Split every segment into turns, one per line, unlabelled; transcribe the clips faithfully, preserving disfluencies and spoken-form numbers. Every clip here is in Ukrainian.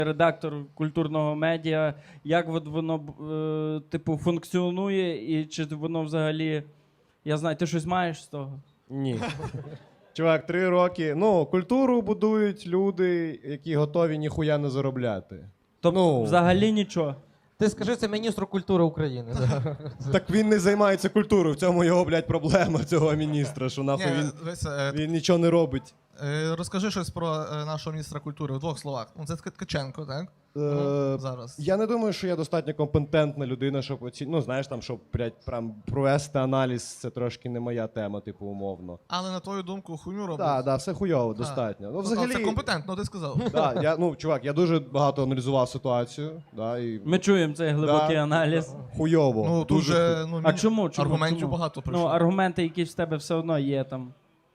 редактор культурного медіа. Як от воно е, типу функціонує, і чи воно взагалі. Я знаю, ти щось маєш з того?
Ні. Чувак, три роки. Ну, культуру будують люди, які готові ніхуя не заробляти.
Тобто
Ну.
взагалі нічого.
Ти скажи це міністру культури України. Да.
Так він не займається культурою, в цьому його, блядь, проблема цього міністра, що нахуй
Ні,
він,
дивись, е,
він нічого не робить.
е, розкажи щось про е, нашого міністра культури в двох словах. Ну, це Ткаченко, так?
Е,
Зараз.
Я не думаю, що я достатньо компетентна людина, щоб оці... ну, знаєш, там, щоб, блядь, прям провести аналіз, це трошки не моя тема, типу, умовно.
Але на твою думку, хуйню робить.
Так, да, все хуйово, достатньо. Ну,
Ну,
взагалі,
Це компетентно, ти сказав.
да, я, ну, чувак, я дуже багато аналізував ситуацію, да, і
Ми чуємо цей глибокий
Да.
аналіз.
хуйово.
Ну, тут
дуже
же ну,
А
міні-
чому? чому?
аргументів
чому?
багато
Ну,
прийшло.
аргументи, які в тебе все одно є там.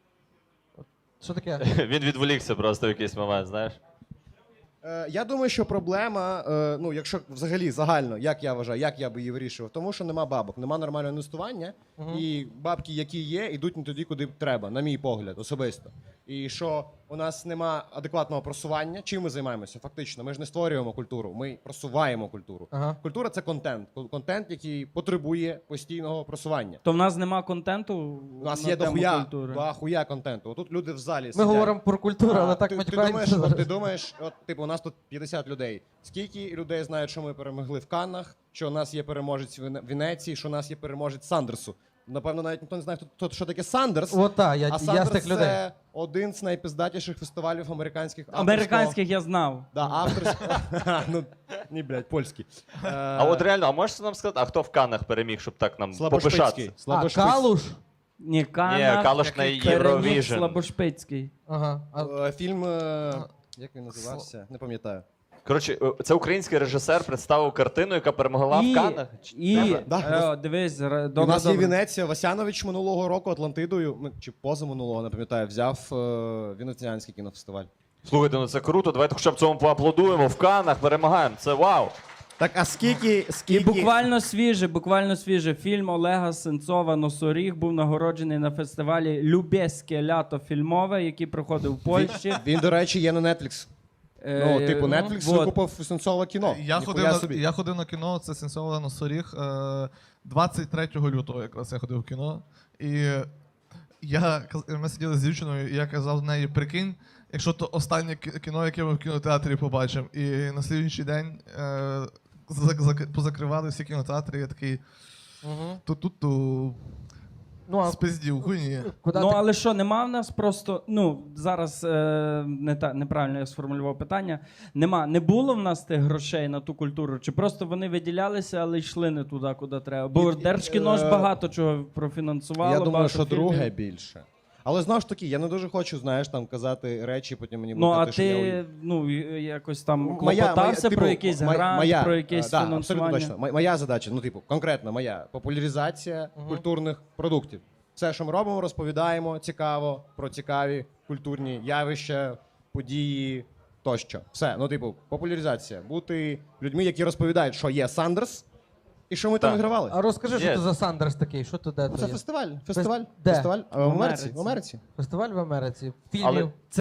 Що таке?
Він відволікся просто в якийсь момент, знаєш.
Е, Я думаю, що проблема, е, ну якщо взагалі загально, як я вважаю, як я би її вирішував, тому що нема бабок, нема нормального інвестування, і бабки, які є, йдуть не туди, куди треба, на мій погляд, особисто. І що у нас нема адекватного просування, чим ми займаємося? Фактично, ми ж не створюємо культуру, ми просуваємо культуру.
Ага.
Культура це контент, контент, який потребує постійного просування.
То в нас нема контенту.
У нас
на
є
тему
дохуя,
культури.
дохуя контенту. Отут люди в залі
Ми
сидять.
говоримо про культуру, але
А,
так
ти, ти думаєш,
матюкаємося
от, ти
зараз.
думаєш, от типу, у нас тут п'ятдесят людей. Скільки людей знають, що ми перемогли в Каннах, що у нас є переможець в Вене- Венеції, що у нас є переможець Сандерсу. Напевно, навіть ніхто не знає, хто, хто що таке Сандерс.
От так, я,
а
я
Сандерс
з тих людей.
це один з найпиздатіших фестивалів американських. авторського-
Американських я знав.
Да, авторського. ну, ні, блядь, польський. Е,
А от реально, а можеш нам сказати, а хто в Каннах переміг, щоб так нам
Слабошпицький.
попишатися?
А,
Слабошпицький.
Калуш?
Ні, Канна.
Ні, Калуш на
переміг
Євровіжн.
Слабошпицький.
Ага. А,
Е, Фільм, е, як він називався? Не пам'ятаю.
Коротше, е, це український режисер представив картину, яка перемогла
І,
в Каннах. Чи-
і
Да,
е, дивись, ре-
У
добре,
нас є
добре.
Венеція. Васянович минулого року Атлантидою, ну, чи позаминулого, не пам'ятаю, взяв е, Венеціанський кінофестиваль.
Слухайте, ну це круто, давайте хоча б цьому поаплодуємо. В Каннах перемагаємо, це вау.
Так, а скільки,
І
скільки...
буквально свіже, буквально свіже. Фільм Олега Сенцова «Носоріг» був нагороджений на фестивалі «Любеське лято фільмове», який проходив в Польщі.
Він, до речі, є на Netflix. Ну,
Е,
типу, Netflix
вот.
викупив Сенцове кіно.
Я
Ніхуя
ходив,
собі.
на, я ходив на кіно, це Сенцова Носоріг, е, двадцять третього лютого якраз я ходив в кіно. І я, каз- ми сиділи з дівчиною, і я казав з неї, прикинь, якщо то останнє кі- кіно, яке ми в кінотеатрі побачимо. І на слідуючий день е, зак- зак- позакривали всі кінотеатри, я такий
угу.
ту-ту-ту,
Ну, а
спиздів, хуйні.
куди
Ну,
ти...
але що, нема в нас просто, ну, зараз е, не та, неправильно я сформулював питання. Нема, не було в нас тих грошей на ту культуру, чи просто вони виділялися, але йшли не туди, куди треба. Бо
І-
Держкіно ж
е,
багато чого профінансувало.
Я думаю,
багато
що
фільмів.
друге більше. Але знову ж таки, я не дуже хочу, знаєш, там казати речі, потім мені
Ну,
буде
а
казати, що я
ти,
уї-
ну, і- якось там
Моя- моя,
клопотався
типу,
про якийсь
моя-
грант,
моя,
про якесь
е, да,
фінансування?
абсолютно точно. Мо- Моя задача, ну, типу, конкретно моя популяризація культурних продуктів. Все, що ми робимо, розповідаємо цікаво про цікаві культурні явища, події тощо. Все, ну, типу, популяризація. Бути людьми, які розповідають, що є Сандерс, і що ми там
Так.
вигравали.
А розкажи, що
Є.
це за Сандерс такий? Що то де
Ну,
то
це
є?
фестиваль. Фестиваль.
Де?
Фестиваль. А,
В
В Америці.
Америці.
В Америці.
Фестиваль в Америці. Фільмів.
Але